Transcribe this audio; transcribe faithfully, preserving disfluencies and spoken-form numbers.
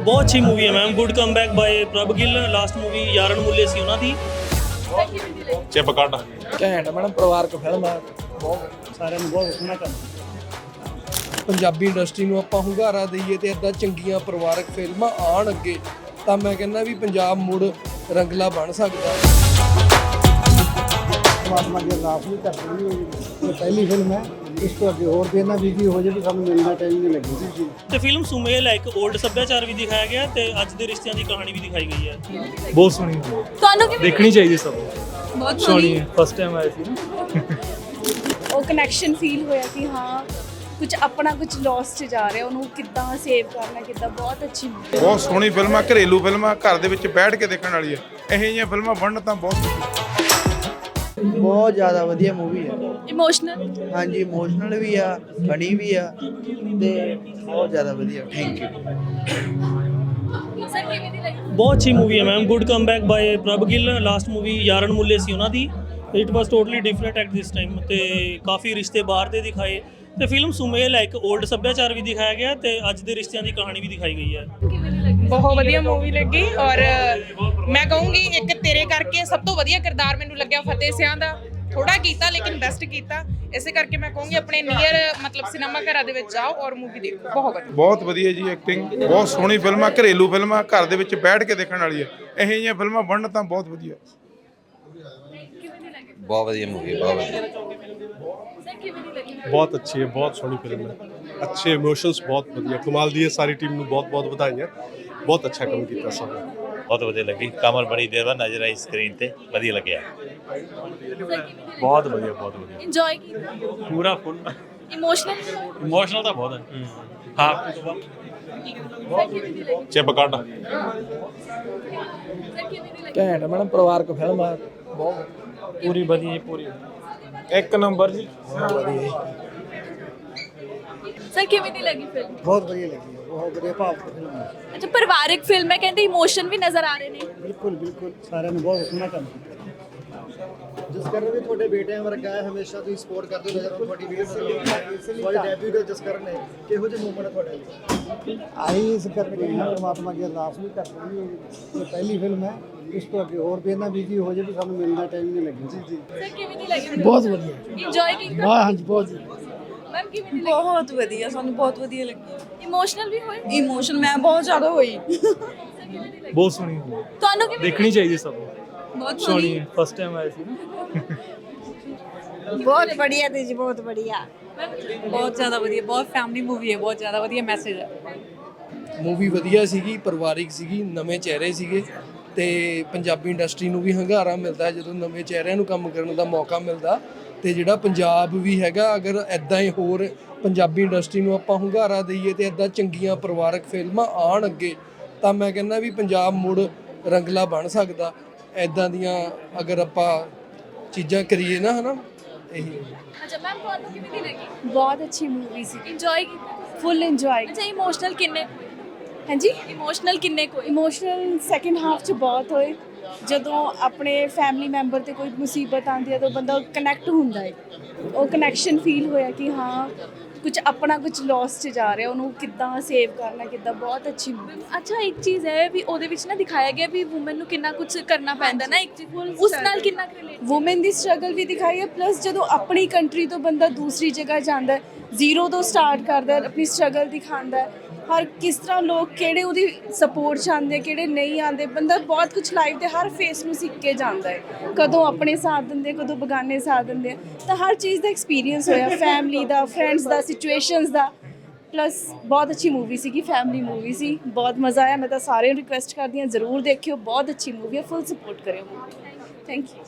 ਬਹੁਤ ਅੱਛੀ ਮੂਵੀ ਹੈ ma'am. Good comeback by Prabh Gill. Last movie ਯਾਰਨ ਮੁੱਲੇ ਸੀ ਉਹਨਾਂ ਦੀ। ਚਿਪ ਕੱਢ ਘੈਂਟ ਮੈਡਮ, ਪਰਿਵਾਰਕ ਫਿਲਮ ਹੈ। ਬਹੁਤ ਸਾਰਿਆਂ ਨੂੰ ਬਹੁਤ ਸੋਹਣਾ ਕੰਮ। ਪੰਜਾਬੀ ਇੰਡਸਟਰੀ ਨੂੰ ਆਪਾਂ ਹੁੰਗਾਰਾ ਦਈਏ ਤੇ ਇੱਦਾਂ ਚੰਗੀਆਂ ਪਰਿਵਾਰਕ ਫਿਲਮਾਂ ਆਉਣ ਅੱਗੇ ਤਾਂ ਮੈਂ ਕਹਿੰਦਾ ਵੀ ਪੰਜਾਬ ਮੁੜ ਰੰਗਲਾ ਬਣ ਸਕਦਾ। ਪਰਮਾਤਮਾ ਦੀ ਅਰਦਾਸ ਵੀ ਕਰਨੀ ਹੋਈ। ਇਹ ਪਹਿਲੀ ਫਿਲਮ ਹੈ, ਇਸ ਤੋਂ ਅੱਗੇ ਹੋਰ ਵੀ ਇਹਨਾਂ ਵੀ ਕੀ ਹੋ ਜੇ ਵੀ ਸਾਨੂੰ ਮਿਲਣਾ ਟਾਈਮ ਨਹੀਂ ਲੱਗੀ ਸੀ। ਤੇ ਫਿਲਮ ਸੁਮੇਲ ਹੈ, ਇੱਕ 올ਡ ਸੱਭਿਆਚਾਰ ਵੀ ਦਿਖਾਇਆ ਗਿਆ ਤੇ ਅੱਜ ਦੇ ਰਿਸ਼ਤਿਆਂ ਦੀ ਕਹਾਣੀ ਵੀ ਦਿਖਾਈ ਗਈ ਹੈ। ਬਹੁਤ ਸੋਹਣੀ ਤੁਹਾਨੂੰ ਕਿਵੇਂ ਦੇਖਣੀ ਚਾਹੀਦੀ ਸਭ ਨੂੰ। ਬਹੁਤ ਸੋਹਣੀ ਹੈ, ਫਸਟ ਟਾਈਮ ਆਈ ਸੀ ਨਾ। ਉਹ ਕਨੈਕਸ਼ਨ ਫੀਲ ਹੋਇਆ ਕਿ ਹਾਂ ਕੁਝ ਆਪਣਾ ਕੁਝ ਲੋਸ 'ਚ ਜਾ ਰਿਹਾ, ਉਹਨੂੰ ਕਿੱਦਾਂ ਸੇਵ ਕਰਨਾ, ਕਿੱਦਾਂ। ਬਹੁਤ ਅੱਛੀ movie ਹੈ। ਬਹੁਤ ਸੋਹਣੀ ਫਿਲਮ ਆ, ਘਰੇਲੂ ਫਿਲਮ ਆ, ਘਰ ਦੇ ਵਿੱਚ ਬੈਠ ਕੇ ਦੇਖਣ ਵਾਲੀ ਹੈ। ਇਹੋ ਜਿਹੀਆਂ ਫਿਲਮਾਂ ਬਣਨ ਤਾਂ ਬਹੁਤ ਬਹੁਤ ਜ਼ਿਆਦਾ ਵਧੀਆ ਮੂਵੀ ਹੈ। ਇਮੋਸ਼ਨਲ ਹਾਂਜੀ, ਇਮੋਸ਼ਨਲ ਵੀ ਆ, ਫਨੀ ਵੀ ਆ ਤੇ ਬਹੁਤ ਜ਼ਿਆਦਾ ਵਧੀਆ। Thank you. ਸਰ ਕਿਵੇਂ ਦੀ ਲੱਗੀ? ਬਹੁਤ ਅੱਛੀ ਮੂਵੀ ਹੈ ma'am. Good comeback by Prabh Gill. Last movie ਯਾਰਨ ਮੁੱਲੇ ਸੀ ਉਹਨਾਂ ਦੀ। It was totally different at this time ਤੇ ਕਾਫੀ ਰਿਸ਼ਤੇ ਬਾਹਰ ਦੇ ਦਿਖਾਏ ਤੇ ਫਿਲਮ ਸੁਮੇਲ ਹੈ, ਇੱਕ 올ਡ ਸੱਭਿਆਚਾਰ ਵੀ ਦਿਖਾਇਆ ਗਿਆ ਤੇ ਅੱਜ ਦੇ ਰਿਸ਼ਤਿਆਂ ਦੀ ਕਹਾਣੀ ਵੀ ਦਿਖਾਈ ਗਈ ਹੈ। ਕਿਵੇਂ ਦੀ ਲੱਗੀ? ਬਹੁਤ ਵਧੀਆ ਮੂਵੀ ਲੱਗੀ ਔਰ ਮੈਂ ਕਹੂੰਗੀ ਇੱਕ ਤੇਰੇ ਕਰਕੇ ਸਭ ਤੋਂ ਵਧੀਆ ਕਿਰਦਾਰ ਮੈਨੂੰ ਲੱਗਿਆ ਫਤਿਹ ਸਿਆਂ ਦਾ। ਥੋੜਾ ਕੀਤਾ ਲੇਕਿਨ ਬੈਸਟ ਕੀਤਾ। ਇਸੇ ਕਰਕੇ ਮੈਂ ਕਹੂੰਗੀ ਆਪਣੇ ਨੀਅਰ ਮਤਲਬ ਸਿਨੇਮਾ ਘਰਾਂ ਦੇ ਵਿੱਚ ਜਾਓ ਔਰ ਮੂਵੀ ਦੇਖੋ। ਬਹੁਤ ਵਧੀਆ ਬਹੁਤ ਵਧੀਆ ਜੀ ਐਕਟਿੰਗ। ਬਹੁਤ ਸੋਹਣੀ ਫਿਲਮ ਆ, ਘਰੇਲੂ ਫਿਲਮ ਆ, ਘਰ ਦੇ ਵਿੱਚ ਬੈਠ ਕੇ ਦੇਖਣ ਵਾਲੀ ਹੈ। ਇਹੋ ਜਿਹੀਆਂ ਫਿਲਮਾਂ ਬਣਨ ਤਾਂ ਬਹੁਤ ਵਧੀਆ। ਬਹੁਤ ਵਧੀਆ ਮੂਵੀ, ਬਹੁਤ ਵਧੀਆ। ਸਰ ਕਿਵੇਂ ਦੀ ਲੱਗੀ? ਬਹੁਤ ਅੱਛੀ ਹੈ, ਬਹੁਤ ਸੋਹਣੀ ਫਿਲਮ ਹੈ। ਅੱਛੇ ਇਮੋਸ਼ਨਸ ਬਹੁਤ ਵਧੀਆ, ਕਮਾਲ ਦੀ ਹੈ। ਸਾਰੀ ਟੀਮ ਨੂੰ ਬਹੁਤ ਬਹੁਤ ਵਧਾਈਆਂ। ਬਹੁਤ ਅੱਛਾ ਕੰਮ ਕੀਤਾ ਸਭ ਨੇ। ਬਹੁਤ ਵਧੀਆ ਲੱਗੀ। ਕਮਲ ਬੜੀ ਦੇਰ ਬਾਅਦ ਨਜ਼ਰ ਆਈ ਸਕਰੀਨ ਤੇ, ਵਧੀਆ ਲੱਗਿਆ। ਬਹੁਤ ਵਧੀਆ, ਬਹੁਤ ਵਧੀਆ। ਇੰਜੋਏ ਕੀਤਾ? ਪੂਰਾ ਫੁੱਲ ਇਮੋਸ਼ਨਲ? ਇਮੋਸ਼ਨਲ ਤਾਂ ਬਹੁਤ ਹੈ। ਹਾਂ, ਸਰ ਕਿਵੇਂ ਦੀ ਲੱਗੀ? ਚਿਪ ਕੱਢ ਸਰ ਕਿਵੇਂ ਦੀ ਲੱਗੀ? ਘੈਂਟ ਮੈਡਮ, ਪਰਿਵਾਰਕ ਫਿਲਮ ਆ। ਬਹੁਤ ਪੂਰੀ ਵਧੀਆ, ਪੂਰੀ ਇੱਕ ਨੰਬਰ ਜੀ। ਸਰ ਕਿਵੇਂ ਦੀ ਲੱਗੀ ਫਿਲਮ? ਬਹੁਤ ਵਧੀਆ ਲੱਗੀ ਹੈ, ਬਹੁਤ ਵਧੀਆ ਭਾਵੁਕ ਫਿਲਮ ਹੈ। ਅੱਛਾ, ਪਰਿਵਾਰਿਕ ਫਿਲਮ ਹੈ, ਕਹਿੰਦੇ ਇਮੋਸ਼ਨ ਵੀ ਨਜ਼ਰ ਆ ਰਹੇ ਨੇ। ਬਿਲਕੁਲ ਬਿਲਕੁਲ ਸਾਰਿਆਂ ਨੂੰ ਬਹੁਤ ਸੋਹਣਾ ਕੰਮ ਕੀਤਾ। ਜਿਸ ਕਰਨ ਵੀ ਤੁਹਾਡੇ ਬੇਟਿਆਂ ਵਰਗਾ ਹੈ, ਹਮੇਸ਼ਾ ਤੁਸੀਂ ਸਪੋਰਟ ਕਰਦੇ ਹੋ। ਨਜ਼ਰ ਤੁਹਾਡੀ ਵੀਡੀਓ ਤੁਹਾਡੇ ਡੈਬਿਊ ਦੇ ਜਿਸ ਕਰਨ ਨੇ ਕਿਹੋ ਜਿਹੇ ਮੂਵਮੈਂਟ ਤੁਹਾਡੇ ਲਈ? ਆਹੀ ਇਸ ਕਰਕੇ ਪਰਮਾਤਮਾ ਦੀ ਅਰਦਾਸ ਵੀ ਕਰਨੀ ਹੋਈ। ਇਹ ਪਹਿਲੀ ਫਿਲਮ ਹੈ, ਇਸ ਤੋਂ ਅੱਗੇ ਹੋਰ ਵੀ ਇਹਨਾਂ ਵੀ ਕੀ ਹੋ ਜੇ ਵੀ ਸਾਨੂੰ ਮਿਲਣਾ ਟਾਈਮ ਨਹੀਂ ਲੱਗੀ ਸੀ। ਜੀ ਸਰ ਕਿਵੇਂ ਦੀ ਲੱਗੀ? ਬਹੁਤ ਵਧੀਆ। ਇੰਜੋਏ ਕੀਤਾ? ਵਾਹ ਹਾਂਜੀ, ਬਹੁਤ ਮੈਮ ਕਿਵੇਂ ਦੀ ਲੱਗੀ? ਬਹੁਤ ਵਧੀਆ, ਸਾਨੂੰ ਬਹੁਤ ਵਧੀਆ ਲੱਗੀ। ਇਮੋਸ਼ਨਲ ਵੀ ਹੋਏ? ਇਮੋਸ਼ਨ ਮੈਂ ਬਹੁਤ ਜ਼ਿਆਦਾ ਹੋਈ। ਬਹੁਤ ਸੋਹਣੀ ਤੁਹਾਨੂੰ ਕਿਵੇਂ ਦੇਖਣੀ ਚਾਹੀਦੀ ਸਭ ਨੂੰ। ਬਹੁਤ ਸੋਹਣੀ ਹੈ, ਫਸਟ ਟਾਈਮ ਆਈ ਸੀ ਨਾ। ਬਹੁਤ ਵਧੀਆ ਤੇ ਜੀ, ਬਹੁਤ ਵਧੀਆ, ਬਹੁਤ ਜ਼ਿਆਦਾ ਵਧੀਆ। ਬਹੁਤ ਫੈਮਿਲੀ ਮੂਵੀ ਹੈ, ਬਹੁਤ ਜ਼ਿਆਦਾ ਵਧੀਆ ਮੈਸੇਜ ਹੈ। ਮੂਵੀ ਵਧੀਆ ਸੀਗੀ, ਪਰਿਵਾਰਿਕ ਸੀਗੀ, ਨਵੇਂ ਚਿਹਰੇ ਸੀਗੇ ਤੇ ਪੰਜਾਬੀ ਇੰਡਸਟਰੀ ਨੂੰ ਵੀ ਹੰਗਾਰਾ ਮਿਲਦਾ ਜਦੋਂ ਨਵੇਂ ਚਿਹਰਿਆਂ ਨੂੰ ਕੰਮ ਕਰਨ ਦਾ ਮੌਕਾ ਮਿਲਦਾ। ਤੇ ਜਿਹੜਾ ਪੰਜਾਬ ਵੀ ਹੈਗਾ, ਅਗਰ ਐਦਾਂ ਹੀ ਹੋਰ ਪੰਜਾਬੀ ਇੰਡਸਟਰੀ ਨੂੰ ਆਪਾਂ ਹੁੰਗਾਰਾ ਦਈਏ ਤੇ ਐਦਾਂ ਚੰਗੀਆਂ ਪਰਿਵਾਰਕ ਫਿਲਮਾਂ ਆਉਣ ਅੱਗੇ ਤਾਂ ਮੈਂ ਕਹਿੰਦਾ ਵੀ ਪੰਜਾਬ ਮੁੜ ਰੰਗਲਾ ਬਣ ਸਕਦਾ। ਐਦਾਂ ਦੀਆਂ ਅਗਰ ਆਪਾਂ ਚੀਜ਼ਾਂ ਕਰੀਏ ਨਾ, ਹਨਾ। ਇਹੀ ਅੱਛਾ ਮੈਮ, ਤੁਹਾਨੂੰ ਕਿਵੇਂ ਦੀ ਲੱਗੀ? ਬਹੁਤ ਅੱਛੀ ਮੂਵੀ ਸੀ। ਇੰਜੋਏ ਕੀਤਾ? Full enjoy. ਅੱਛਾ, ਇਮੋਸ਼ਨਲ ਕਿੰਨੇ? ਹਾਂਜੀ, ਇਮੋਸ਼ਨਲ ਕਿੰਨੇ ਕੋਈ? ਇਮੋਸ਼ਨਲ ਸੈਕਿੰਡ ਹਾਫ 'ਚ ਬਹੁਤ ਹੋਏ। ਜਦੋਂ ਆਪਣੇ ਫੈਮਿਲੀ ਮੈਂਬਰ ਤੇ ਕੋਈ ਮੁਸੀਬਤ ਆਉਂਦੀ ਹੈ ਤਾਂ ਬੰਦਾ ਕਨੈਕਟ ਹੁੰਦਾ ਹੈ। ਉਹ ਕਨੈਕਸ਼ਨ ਫੀਲ ਹੋਇਆ ਕਿ ਹਾਂ ਕੁਝ ਆਪਣਾ ਕੁਝ ਲੋਸ 'ਚ ਜਾ ਰਿਹਾ, ਉਹਨੂੰ ਕਿੱਦਾਂ ਸੇਵ ਕਰਨਾ, ਕਿੱਦਾਂ। ਬਹੁਤ ਅੱਛੀ ਮੂਵੀ। ਅੱਛਾ, ਇੱਕ ਚੀਜ਼ ਹੈ ਵੀ ਉਹਦੇ ਵਿੱਚ ਨਾ ਦਿਖਾਇਆ ਗਿਆ ਵੀ ਵੂਮਨ ਨੂੰ ਕਿੰਨਾ ਕੁਝ ਕਰਨਾ ਪੈਂਦਾ ਨਾ, ਇੱਕ ਉਸ ਨਾਲ ਕਿੰਨਾ ਰਿਲੇਟ। ਵੂਮਨ ਦੀ ਸਟਰਗਲ ਵੀ ਦਿਖਾਈ ਹੈ, ਪਲੱਸ ਜਦੋਂ ਆਪਣੀ ਕੰਟਰੀ ਤੋਂ ਬੰਦਾ ਦੂਸਰੀ ਜਗ੍ਹਾ ਜਾਂਦਾ, ਜ਼ੀਰੋ ਤੋਂ ਸਟਾਰਟ ਕਰਦਾ, ਆਪਣੀ ਸਟਰਗਲ ਦਿਖਾਉਂਦਾ। ਹਰ ਕਿਸ ਤਰ੍ਹਾਂ ਲੋਕ ਕਿਹੜੇ ਉਹਦੀ ਸਪੋਰਟ 'ਚ ਆਉਂਦੇ, ਕਿਹੜੇ ਨਹੀਂ ਆਉਂਦੇ। ਬੰਦਾ ਬਹੁਤ ਕੁਝ ਲਾਈਫ ਦੇ ਹਰ ਫੇਸ ਨੂੰ ਸਿੱਖ ਕੇ ਜਾਂਦਾ ਹੈ। ਕਦੋਂ ਆਪਣੇ ਸਾਥ ਦਿੰਦੇ, ਕਦੋਂ ਬਗਾਨੇ ਸਾਥ ਦਿੰਦੇ। ਤਾਂ ਹਰ ਚੀਜ਼ ਦਾ ਐਕਸਪੀਰੀਅੰਸ ਹੋਇਆ, ਫੈਮਿਲੀ ਦਾ, ਫਰੈਂਡਸ ਦਾ, ਸਿਚੁਏਸ਼ਨਸ ਦਾ। ਪਲੱਸ ਬਹੁਤ ਅੱਛੀ ਮੂਵੀ ਸੀਗੀ, ਫੈਮਿਲੀ ਮੂਵੀ ਸੀ। ਬਹੁਤ ਮਜ਼ਾ ਆਇਆ। ਮੈਂ ਤਾਂ ਸਾਰਿਆਂ ਨੂੰ ਰਿਕੁਐਸਟ ਕਰਦੀ ਹਾਂ ਜ਼ਰੂਰ ਦੇਖਿਓ। ਬਹੁਤ ਅੱਛੀ ਮੂਵੀ ਹੈ, ਫੁੱਲ ਸਪੋਰਟ ਕਰਿਓ। Thank you.